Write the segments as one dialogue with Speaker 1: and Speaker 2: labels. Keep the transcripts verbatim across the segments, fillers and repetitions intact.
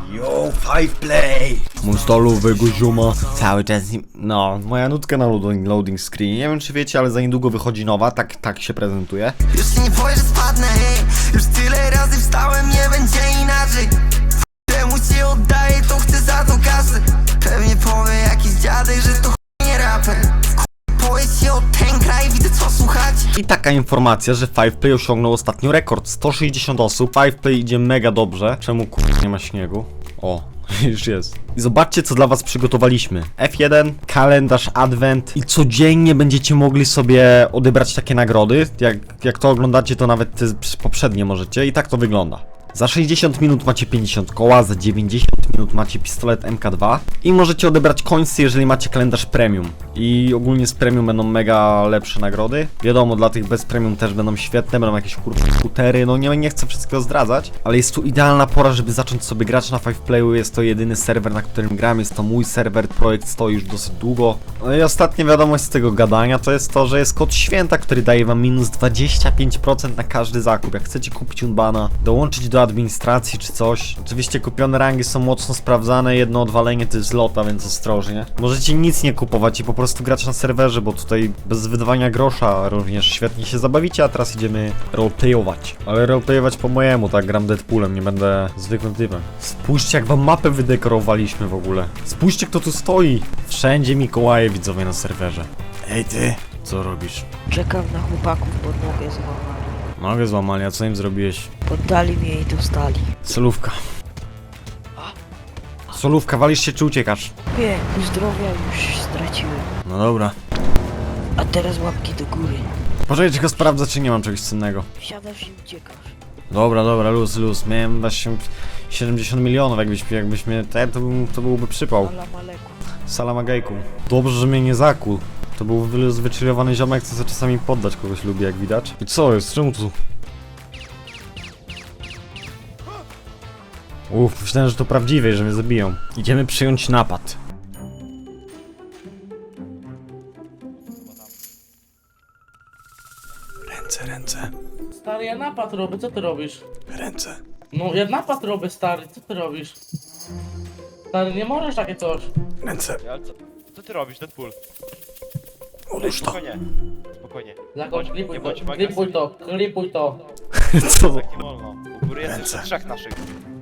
Speaker 1: Yo, five play! Mój stolowego zioma. Cały czas, no, moja nutka na loading, loading screen. Nie wiem czy wiecie, ale za niedługo wychodzi nowa, tak, tak się prezentuje.
Speaker 2: Już ci nie powiem, że spadnę, hej. Już tyle razy wstałem, nie będzie inaczej. Temu się oddaję, to chcę za to kasę. Pewnie powie jakiś dziadek, że to ch... nie raper. Powiedz się o ten kraj, widzę co słuchać.
Speaker 1: I taka informacja, że five play osiągnął ostatnio rekord. sto sześćdziesiąt osób. five play idzie mega dobrze. Czemu kur... nie ma śniegu? O, już jest. I zobaczcie co dla was przygotowaliśmy. F jeden, kalendarz advent i codziennie będziecie mogli sobie odebrać takie nagrody. Jak, jak to oglądacie, to nawet te poprzednie możecie. I tak to wygląda. Za sześćdziesiąt minut macie pięćdziesiąt koła, za dziewięćdziesiąt minut macie pistolet M K dwa i możecie odebrać końce, jeżeli macie kalendarz premium. I ogólnie z premium będą mega lepsze nagrody. Wiadomo, dla tych bez premium też będą świetne, będą jakieś kurwa skutery, no nie, nie chcę wszystkiego zdradzać, ale jest tu idealna pora, żeby zacząć sobie grać na five playu. Jest to jedyny serwer, na którym gram, jest to mój serwer, projekt stoi już dosyć długo. No i ostatnia wiadomość z tego gadania to jest to, że jest kod święta, który daje wam minus dwadzieścia pięć procent na każdy zakup. Jak chcecie kupić Unbana, dołączyć do administracji czy coś. Oczywiście kupione rangi są mocno sprawdzane, jedno odwalenie to jest lota, więc ostrożnie. Możecie nic nie kupować i po prostu grać na serwerze, bo tutaj bez wydawania grosza również świetnie się zabawicie, a teraz idziemy roleplayować. Ale roleplayować po mojemu, tak, gram Deadpoolem, nie będę zwykłym typem. Spójrzcie jak wam mapę wydekorowaliśmy w ogóle. Spójrzcie kto tu stoi. Wszędzie Mikołaje widzowie na serwerze. Ej ty, co robisz?
Speaker 3: Czekam na chłopaków, pod nogę złamali.
Speaker 1: Nogę złamali, a co im zrobiłeś?
Speaker 3: Poddali mnie i dostali.
Speaker 1: Solówka. Solówka, walisz się czy uciekasz?
Speaker 3: Nie, zdrowia już straciłem.
Speaker 1: No dobra.
Speaker 3: A teraz łapki do góry.
Speaker 1: Poczekaj, tylko sprawdzę, czy nie mam czegoś cennego.
Speaker 3: Wsiadasz i uciekasz.
Speaker 1: Dobra, dobra, luz, luz. Miałem właśnie siedemdziesiąt milionów, jakbyś, jakbyś mnie... To, to, był, to byłby przypał.
Speaker 3: Ala maleku.
Speaker 1: Salamagejku. Dobrze, że mnie nie zakuł. To był wy- zwyczajowany ziomek, co sobie czasami poddać kogoś lubi, jak widać. I co jest? Czemu tu? Uff, myślałem, że to prawdziwe, że mnie zabiją. Idziemy przyjąć napad. Ręce, ręce,
Speaker 4: Stary, ja napad robię, co ty robisz?
Speaker 1: ręce.
Speaker 4: No, ja napad robię, stary, co ty robisz? Stary, nie możesz takie coś.
Speaker 1: Ręce.
Speaker 5: Ale co, co ty robisz, Deadpool?
Speaker 1: Odłóż to.
Speaker 5: Spokojnie, spokojnie.
Speaker 4: Zakon,
Speaker 5: Bądź-
Speaker 4: klipuj
Speaker 5: nie
Speaker 4: to,
Speaker 5: bądź
Speaker 4: klipuj to, klipuj to.
Speaker 1: Co?
Speaker 5: Tak nie wolno. U góry jest
Speaker 1: Ręce.
Speaker 5: jeszcze trzech naszych.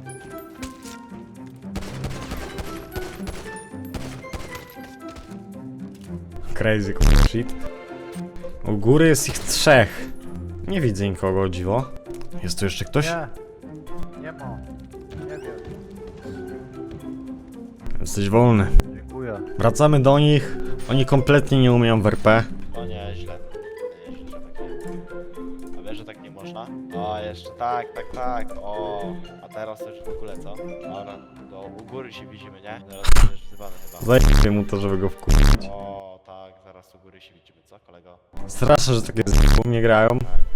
Speaker 1: Crazy shit. U góry jest ich trzech. Nie widzę nikogo, o dziwo. Jest tu jeszcze ktoś?
Speaker 6: Nie, nie ma. Nie wiem.
Speaker 1: Jesteś wolny.
Speaker 6: Dziękuję.
Speaker 1: Wracamy do nich. Oni kompletnie nie umieją w R P.
Speaker 5: O nie, źle. Nie, źle, że tak nie. A wiesz, że tak nie można? O, jeszcze tak, tak, tak. O, a teraz już w ogóle co? Dobra, to u góry się widzimy, nie? Zaraz będziesz wzywany chyba.
Speaker 1: Zajmę mu to, żeby go wkurzyć.
Speaker 5: O, tak, zaraz u góry się widzimy, co kolego?
Speaker 1: Straszne, że takie z mnie grają.
Speaker 5: Tak, tak.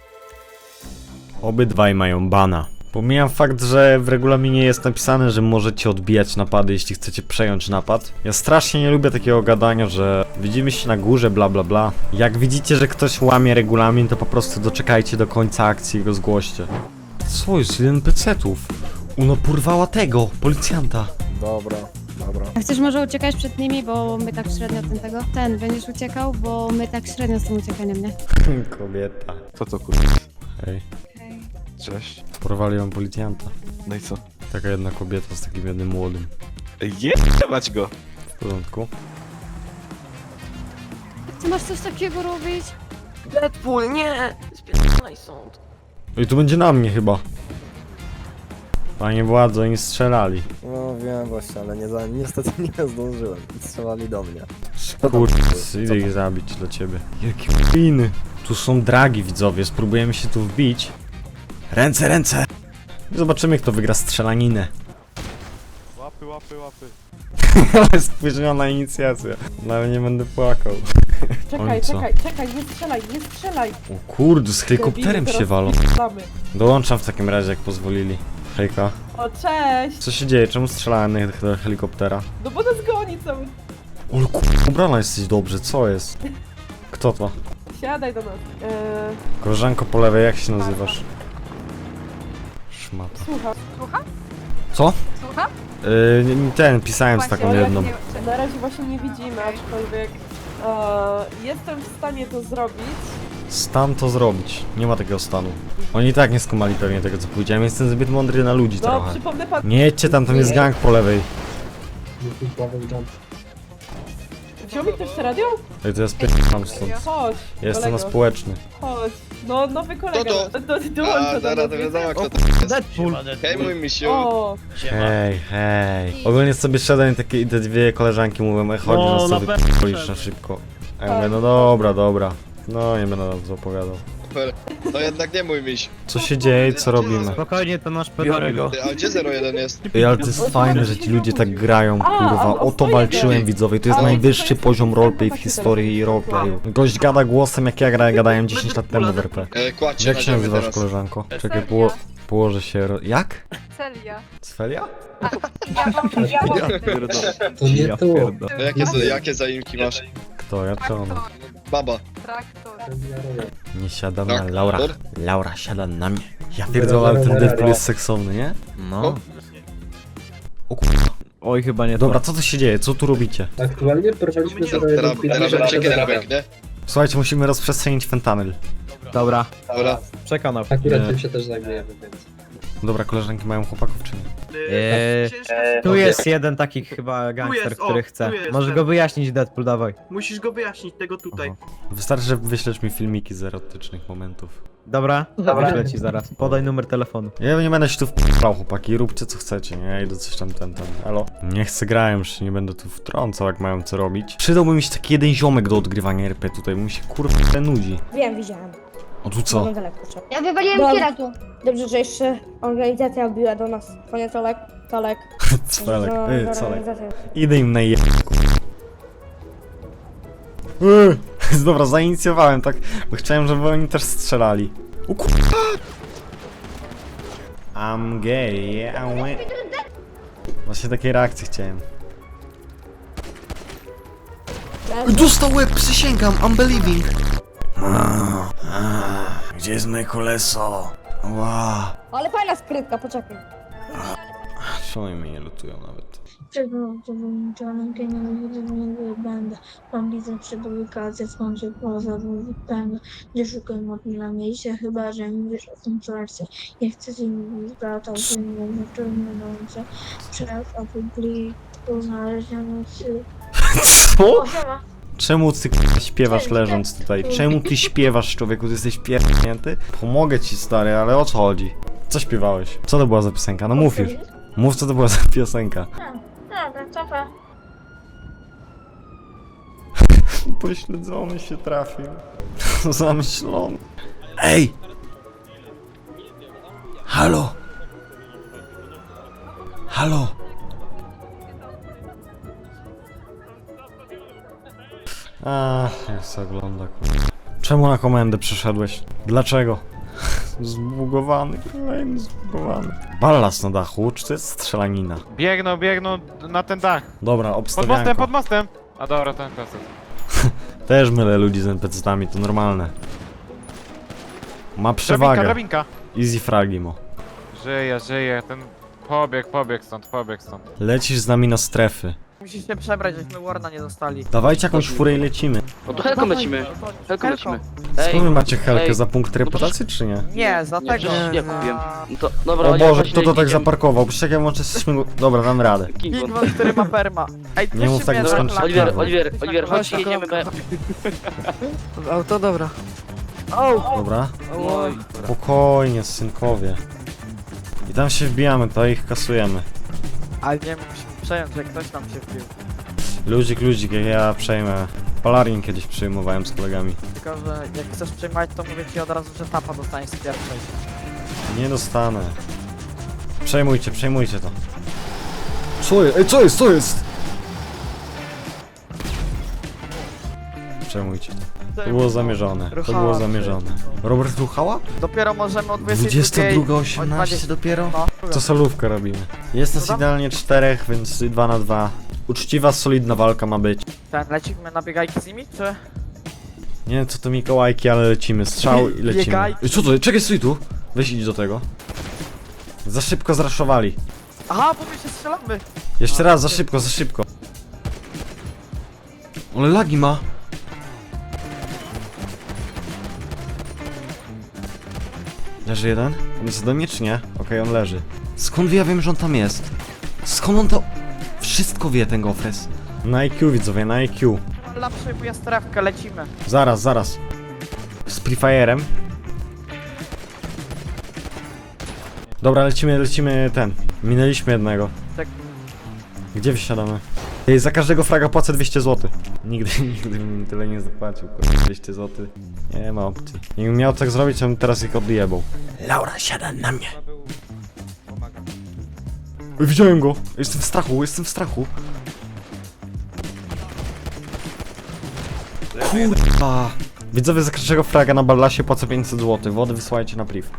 Speaker 1: Obydwaj mają bana. Pomijam fakt, że w regulaminie jest napisane, że możecie odbijać napady, jeśli chcecie przejąć napad. Ja strasznie nie lubię takiego gadania, że widzimy się na górze, bla bla bla. Jak widzicie, że ktoś łamie regulamin, to po prostu doczekajcie do końca akcji i go zgłoście. Co jest? Jeden pecetów. Uno porwała tego, policjanta.
Speaker 6: Dobra, dobra.
Speaker 7: A chcesz może uciekać przed nimi, bo my tak średnio ten tego? Ten, będziesz uciekał, bo my tak średnio z tym uciekaniem, nie?
Speaker 1: Kobieta.
Speaker 8: Co to kurwa?
Speaker 1: Hej,
Speaker 8: Cześć.
Speaker 1: porwali ją policjanta.
Speaker 8: No i co?
Speaker 1: Taka jedna kobieta z takim jednym młodym.
Speaker 8: Jebać go!
Speaker 1: W porządku.
Speaker 7: Ty masz coś takiego robić?
Speaker 3: Deadpool, nie! Spierdolaj sąd.
Speaker 1: I tu będzie na mnie chyba. Panie władzo, oni strzelali.
Speaker 6: No wiem właśnie, ale nie za, niestety nie zdążyłem. Strzelali do mnie.
Speaker 1: Kurde, idę ich zabić dla ciebie. Jakie winy. Tu są dragi widzowie, spróbujemy się tu wbić. Ręce, ręce! I zobaczymy kto wygra strzelaninę.
Speaker 8: Łapy, łapy, łapy.
Speaker 1: Ale spóźniona inicjacja. No ale nie będę płakał.
Speaker 4: Czekaj,
Speaker 1: Oj, co?
Speaker 4: czekaj, czekaj, nie strzelaj, nie strzelaj.
Speaker 1: O kurde, z helikopterem się walą.
Speaker 4: Damy.
Speaker 1: Dołączam w takim razie jak pozwolili. Hejka.
Speaker 4: O, cześć!
Speaker 1: Co się dzieje? Czemu strzelałem na do helikoptera?
Speaker 4: No bo nas goni cały.
Speaker 1: O kurde, ubrana jesteś dobrze, co jest? Kto to?
Speaker 4: Siadaj do nas. Eee,
Speaker 1: Koleżanko po lewej, jak się nazywasz? Szmata.
Speaker 4: słucham.
Speaker 1: Co? Yy, nie- ten, pisałem z taką jedną.
Speaker 9: Na razie właśnie nie widzimy, aczkolwiek e, jestem w stanie to zrobić.
Speaker 1: Stan to zrobić. Nie ma takiego stanu. Oni i tak nie skumali pewnie tego, co powiedziałem. Jestem zbyt mądry na ludzi
Speaker 9: No,
Speaker 1: trochę.
Speaker 9: przypomnę pan...
Speaker 1: Nie jedźcie tam, tam jest gang po lewej.
Speaker 9: Wziął mi ktoś to radio?
Speaker 1: Ej, to ja spierdam stąd.
Speaker 9: Chodź,
Speaker 1: Jestem na
Speaker 9: kolego.
Speaker 1: społeczny.
Speaker 9: Chodź. No, nowy kolega.
Speaker 10: To
Speaker 9: Do, do, dołącza do nas, wiecie?
Speaker 10: kto to jest.
Speaker 5: Deadpool.
Speaker 10: Hej mój misiu.
Speaker 9: O,
Speaker 1: Hej, hej. Ogólnie sobie szedłem i takie, i te dwie koleżanki mówią, ej chodź,
Speaker 4: No,
Speaker 1: no,
Speaker 4: na
Speaker 1: sobie
Speaker 4: pewno
Speaker 1: p***olisz na szybko. A ja mówię, no dobra, dobra. No, nie będę nam to opowiadał.
Speaker 10: To jednak nie mój miś.
Speaker 1: Co się dzieje i co robimy?
Speaker 8: Spokojnie, to nasz
Speaker 4: Biorę go.
Speaker 10: Ty, a gdzie zero jeden jest?
Speaker 1: Ej, ale to jest fajne, że ci ludzie tak grają, kurwa. O to walczyłem, widzowie. To jest najwyższy poziom roleplay w historii roleplayu. Gość gada głosem, jak ja grałem, gadałem dziesięć lat temu w R P.
Speaker 10: E, kładźcie
Speaker 1: Jak
Speaker 10: na
Speaker 1: się
Speaker 10: ziemię
Speaker 1: nazywasz,
Speaker 10: teraz.
Speaker 1: koleżanko? Czekaj, poło położę się... Ro jak?
Speaker 7: Celia.
Speaker 1: Sfelia?
Speaker 6: To nie to.
Speaker 10: To jakie, za- jakie zaimki masz?
Speaker 1: Kto, ja czy ona?
Speaker 10: Baba.
Speaker 7: Traktor.
Speaker 1: Nie siada na
Speaker 10: Tak,
Speaker 1: Laura.
Speaker 10: dobra.
Speaker 1: Laura siada na mnie. Ja pierdolę, ale ten Deadpool jest seksowny, nie? No. O kurwa.
Speaker 8: Oj, chyba nie
Speaker 1: Dobra, co tu się dzieje? Co tu robicie?
Speaker 6: Aktualnie porwaliśmy
Speaker 10: Teraz, teraz będzie kiedy nie?
Speaker 1: Słuchajcie, musimy rozprzestrzenić fentanyl.
Speaker 8: Dobra,
Speaker 10: Dobra.
Speaker 8: przekonał.
Speaker 6: Akurat
Speaker 1: Nie.
Speaker 6: tym się też zajmujemy, więc.
Speaker 1: Dobra, koleżanki mają chłopaków czy nie?
Speaker 8: Eee, tu jest jeden taki chyba gangster,
Speaker 11: jest, o,
Speaker 8: który chce.
Speaker 11: tu jest
Speaker 8: Możesz
Speaker 11: ten.
Speaker 8: go wyjaśnić, Deadpool, dawaj.
Speaker 11: Musisz go wyjaśnić, tego tutaj.
Speaker 1: Aha. Wystarczy, że wyślesz mi filmiki z erotycznych momentów.
Speaker 8: Dobra? Wyślę ci zaraz. Podaj numer telefonu.
Speaker 1: Ja nie będę się tu wpierał, chłopaki, róbcie co chcecie, nie? Ja idę coś tam, ten, ten. Elo? Nie chcę grałem, już się nie będę tu wtrącał, jak mają co robić. Przydałby mi się taki jeden ziomek do odgrywania R P tutaj, bo mi się kurwa nudzi.
Speaker 12: Wiem, widziałem.
Speaker 1: O tu co?
Speaker 12: Ja wywaliłem kiera tu. Dobrze, że jeszcze organizacja biła do nas. Panie Tolek, Tolek.
Speaker 1: Cwelek,
Speaker 12: Że-
Speaker 1: ty,
Speaker 12: że
Speaker 1: Colek.
Speaker 12: organizacja-
Speaker 1: Idę im na je... Eee, Dobra, zainicjowałem tak, bo chciałem, żeby oni też strzelali. O kurwa! I'm gay, yeah, I'm gay. Właśnie takiej reakcji chciałem. Dostał łeb, przysięgam, unbelieving. Gdzie jest moje koleso? Ła.
Speaker 12: Ale fajna skrytka, poczekaj.
Speaker 1: Czemu oni mnie nie lutują nawet?
Speaker 12: Przeprowadzony pieniądze będę. Mam widzę publikację, skąd poza będę. Nie szukaj modli na miejsce, chyba że mi wiesz o tym czerwcu. Nie chcę ci mówić, brata, że nie wiem, czerwonące. Przez opubliku znalezione się.
Speaker 1: Co? Czemu ty k***a, śpiewasz leżąc tutaj? Czemu ty śpiewasz, człowieku? Ty jesteś pierdnięty? Pomogę ci, stary, ale o co chodzi? Co śpiewałeś? Co to była za piosenka? No mów już. Mów, co to była za piosenka.
Speaker 12: Dobra, cofa.
Speaker 1: Pośledzony się trafił. Zamyślony. Ej! Halo! Halo! Ach, jak się ogląda, kurwa. Czemu na komendę przyszedłeś? Dlaczego? Zbugowany, kolejny zbugowany. Ballas na dachu, czy to jest strzelanina?
Speaker 5: Biegną, biegną na ten dach.
Speaker 1: Dobra,
Speaker 5: Pod
Speaker 1: obstawianko.
Speaker 5: mostem, pod mostem. A dobra, ten kaset.
Speaker 1: Też mylę ludzi z en pe ce tami, to normalne. Ma
Speaker 5: Drabinka,
Speaker 1: przewagę.
Speaker 5: drabinka.
Speaker 1: Easy fragimo.
Speaker 5: Żyje, żyje, ten pobieg, pobieg stąd, pobieg stąd.
Speaker 1: Lecisz z nami na strefy.
Speaker 3: Musisz się przebrać, żeśmy Warna nie dostali.
Speaker 1: Dawajcie jakąś furę i lecimy.
Speaker 3: No to helką lecimy. Helką lecimy.
Speaker 1: Skąd wy macie helkę za punkt reputacji, czy nie?
Speaker 3: Nie, za tego.
Speaker 11: Nie kupiłem.
Speaker 3: To,
Speaker 1: O Boże, kto to tak zaparkował? Poczekaj, włączę śmigło... Dobra, dam radę.
Speaker 3: Pingwon, który ma perma. Ej,
Speaker 1: Nie mów tak, bo skończy
Speaker 3: Oliver,
Speaker 1: się
Speaker 3: Oliver, Oliver, chodź, jedziemy. Auto, dobra. O!
Speaker 1: Dobra?
Speaker 3: Oj.
Speaker 1: Spokojnie, synkowie. I tam się wbijamy, to ich kasujemy.
Speaker 3: Ale nie musimy przejąć, jak ktoś tam się wbił.
Speaker 1: Ludzik, ludzik, jak ja przejmę. Polarin kiedyś przyjmowałem z kolegami.
Speaker 3: Tylko, że jak chcesz przejmować, to mówię ci od razu, że tapa dostaniesz z pierwszej.
Speaker 1: Nie dostanę. Przejmujcie, przejmujcie to. Co jest? Ej, co jest? Co jest? Przejmujcie to. To było zamierzone. To
Speaker 3: Ruchała
Speaker 1: było
Speaker 3: się.
Speaker 1: zamierzone. Robert ruchała?
Speaker 3: Dopiero możemy o dwudziestej
Speaker 1: dwudziesta
Speaker 3: drugiej...
Speaker 1: druga
Speaker 3: o
Speaker 1: osiemnaście
Speaker 3: dwudziestej
Speaker 1: dopiero?
Speaker 3: No.
Speaker 1: To solówkę robimy. Jest nas
Speaker 3: Co tam?
Speaker 1: idealnie czterech, więc dwa na dwa. Uczciwa, solidna walka ma być.
Speaker 3: Ten, lecimy na biegajki z nimi, czy?
Speaker 1: Nie wiem co to Mikołajki, ale lecimy. Strzał i lecimy.
Speaker 3: Biegaj.
Speaker 1: Ej, co to? Czekaj, stój tu. Weź idź do tego. Za szybko zraszowali.
Speaker 3: Aha, bo my się strzelamy.
Speaker 1: Jeszcze raz, za szybko, za szybko. Ale lagi ma. Leży jeden? On jest ode mnie czy nie? Okej, on leży. Skąd ja wiem, że on tam jest? Skąd on to... Wszystko wie ten gofres. Na I Q widzowie, na I Q.
Speaker 3: La przejmuje strefkę, lecimy.
Speaker 1: Zaraz, zaraz. Z Prefire'em. Dobra, lecimy, lecimy ten. Minęliśmy jednego.
Speaker 3: Tak.
Speaker 1: Gdzie wysiadamy? Ej, za każdego fraga płacę dwieście złotych. Nigdy, nigdy bym tyle nie zapłacił, kurwa. dwieście złotych. Nie ma opcji. Jakbym miał tak zrobić, to bym teraz ich odjebał. Laura, siada na mnie. Ej, widziałem go. Jestem w strachu, jestem w strachu. Kurwa. Widzowie, za każdego fraga na Ballasie płacę pięćset złotych. Wody wysyłajcie na priv.